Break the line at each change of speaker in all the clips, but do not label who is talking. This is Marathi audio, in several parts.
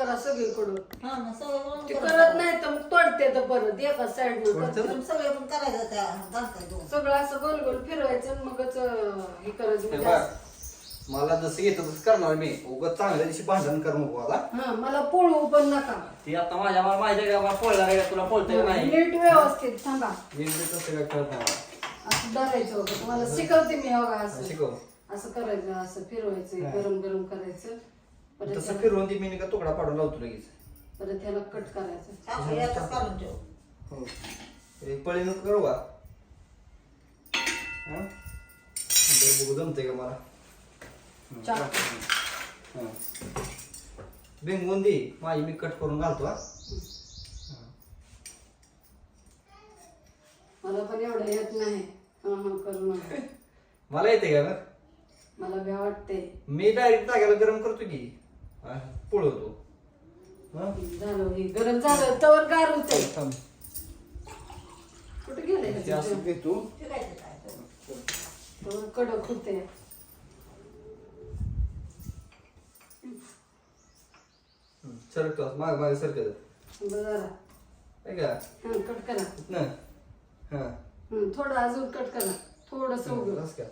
करा सगळीकडून.
हा ना सगळं
ते करत नाही तर मग तोडते तर परत एका साईड
सगळे पण करायचं त्या घालताय
सगळं असं गोल गोल फिरवायचं आणि मगच हे करायचं म्हणजे असं.
मला जसं येतं तसं करणार मी. उगाच चांगल्या दिवशी भांडण कर नको मला.
हा मला पोळू पण नका.
ती आता माझ्या मला माहिती आहे का पोळणार आहे का तुला पोळते नाही.
नीट व्यवस्थित थांबा.
नीट तसं काय करत नाही मला.
असं धरायचं होतं तुम्हाला शिकवते मी बघा असं
शिकव.
असं करायचं असं फिरवायचं गरम गरम करायचं परत
तसं फिरवून ती मी का तुकडा पाडून लावतो लगेच.
परत ह्याला कट करायचं.
यातच काढून ठेव.
हो एक पळी नको करू का? हा बघू जमते का मला. बिंगवून दे माझी मी कट करून घालतो. हा
मला पण एवढं येत नाही करू नका.
मला येते का मग?
मला भ्या वाटते.
मी डायरेक्ट जाग्याला गरम करतो की पोळवतो.
झालं हे गरम झालं तवर गार होते. कुठे गेले
असं घेतो.
तवर कडक होते.
सरकतो माग मागे सरकत
जरा
का
कट करा
ना. हा
थोडं अजून कट करा थोडस
बस का?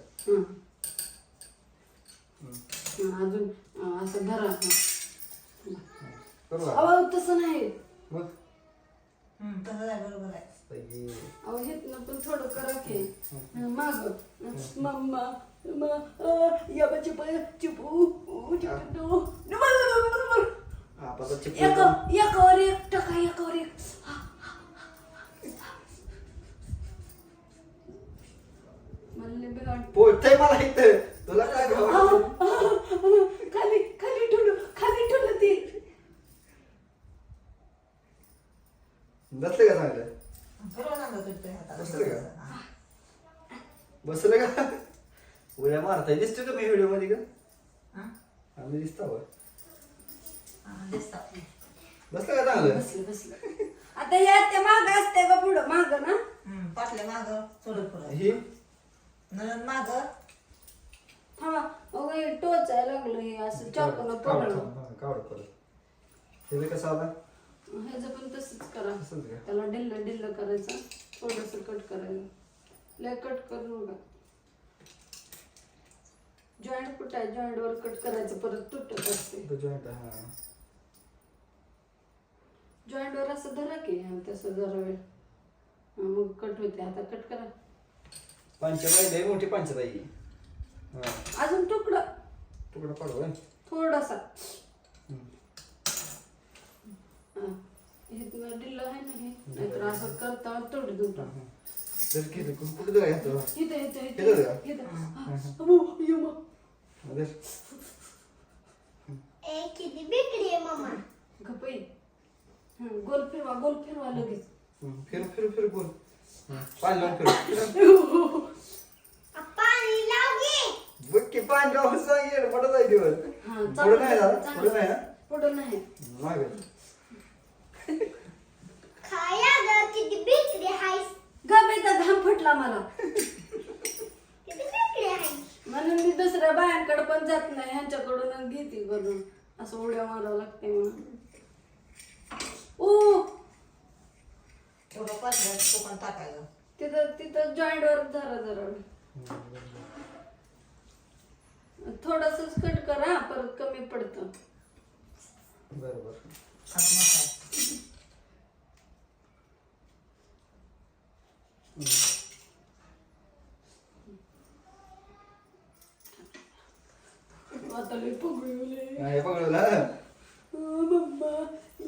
अजून असं धरा.
करू का?
अहो तसं नाही
मग
तसं आहे बरोबर आहे.
अहो हेत ना पण थोडं करा की माग मम्मा या बच्चे पण चिपू एकावर एक टका एकावर एक.
पोळतंय मला इथं. तुला काय
खाली खाली ठेवलं ते.
बसले का चांगलं?
बसलं
का? बसलं का? उड्या मारताय दिसतो का मी व्हिडिओ मध्ये का? आम्ही दिसतो बसलं का चांगलं?
बसलं आता या त्या माग असते का पुढं माग ना
पाटल्या माग थोडं पुढं
ही
नळण माग
थांबा टोचायला लागलं हे असं चाकून पडलं.
कावड परत हे कसं आला?
ह्याचं पण तसंच करा.
असंच का?
त्याला डिल्ल करायचं थोडस कट करायचं. लय कट करू नका. जॉईंट कुठं आहे जॉईंट वर कट करायचं परत तुटत असते. जॉईंट वर असं धरा की तसं जरा वेळ मग कट होते. आता कट करा.
पंचबाई लय मोठी पंचबाई.
अजून तुकडा
पाडू
थोडासा हे डिल्ल आहे ना हे नाहीतर असं करता तोड दुटा.
कुठे जायचं?
गोल फिरवा लगेच.
फिर बोल. पाणी लावून बघ की पाणी लावून सांगेल पडत आहे दिवस. पुढे नाही ना पुढे नाही ना
पुढे नाही गबेचा घाम फुटला मला म्हणून मी दुसऱ्या बायांकडे पण जात नाही ह्यांच्याकडून घेते करून असं उड्या मारावं लागते म्हणून.
थोडं पाटल्या तो पण टाकायचं
तिथं जॉईंट वर जरा थोडस कट करा परत कमी पडतं.
बरोबर. आता लय पगळले. हे पकडलं
मम्मा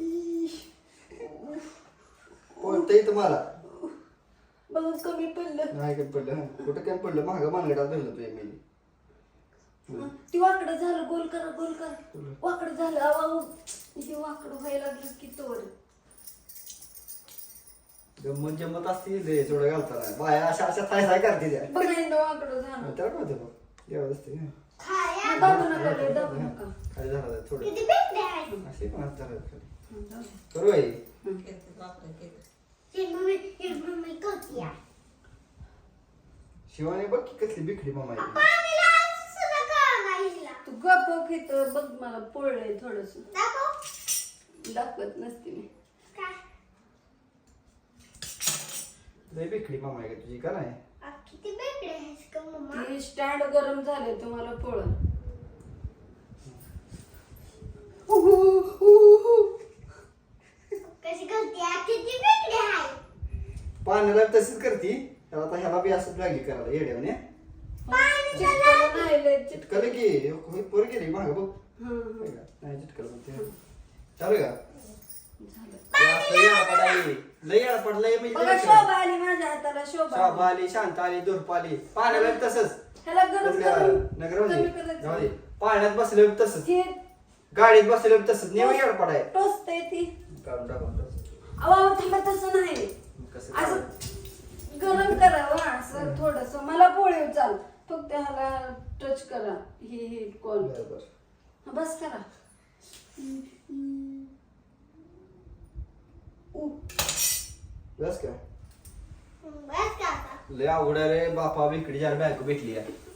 कोणतंही तुम्हाला
बघ कमी पडलं.
नाही काय पडलं. कुठं काय पडलं? महाग मानगडात धरलं तुझ्या मी.
ती वाकडं झालं. गोल करा वाकडं झालं. अहो हे वाकडं व्हायला लागलं की तोवर
जम्मत असतील थोडं घालताना बाया अशा थाय करते त्या.
बघायला वाकडं झालं.
त्याला काय होतं बघ एवढं असते.
दाबू नका.
खाली झालं थोडं असे पण हात धरायचं. करू आई शिवाने बघ की कसली बिखडी मामा
तू गप घेत बघ मला पोळलंय थोडस. दाखवत नसते मी.
लय बेकडी मामा आहे का तुझी का नाही?
किती वेगळे आहेस का मम्मा?
ते स्टँड गरम झाले तुम्हाला पोळ.
कशी करते किती वेगळे आहे.
पाण्याला तशीच करती. तर आता ह्याला बी असं लागली करायला येड्याने.
चिटकलं नाही लय
चिटकलं की पोर गेली माग बघ.
हं.
नाही चिटकलं म्हणते. चालू का?
झालं.
लय आडपड लय आडपड लय
बघा
म्हणजे
शोभा आली माझ्या हाताला शोभा
शोभा आली, शांत आली, धूप आली. पाण्याला बी तसंच.
ह्याला गरम करून
नगर
कमी करायचं.
जाऊ दे. पाण्यात बसले बी तसंच.
हे
गाडीत बसले बी तसंच. नेहमी आडपड आहे.
टोचतंय ती.
काढून टाकून
अहो थांबा तसं नाही.
कसं
असं गरम करावं असं थोडस. मला पोळी चाल फक्त ह्याला टच करा. हे कॉल
बरोबर.
बस करा.
बस का?
बस का आता?
लय अवघड आहे रे बापा. बेकडी जार बायको भेटली आहे.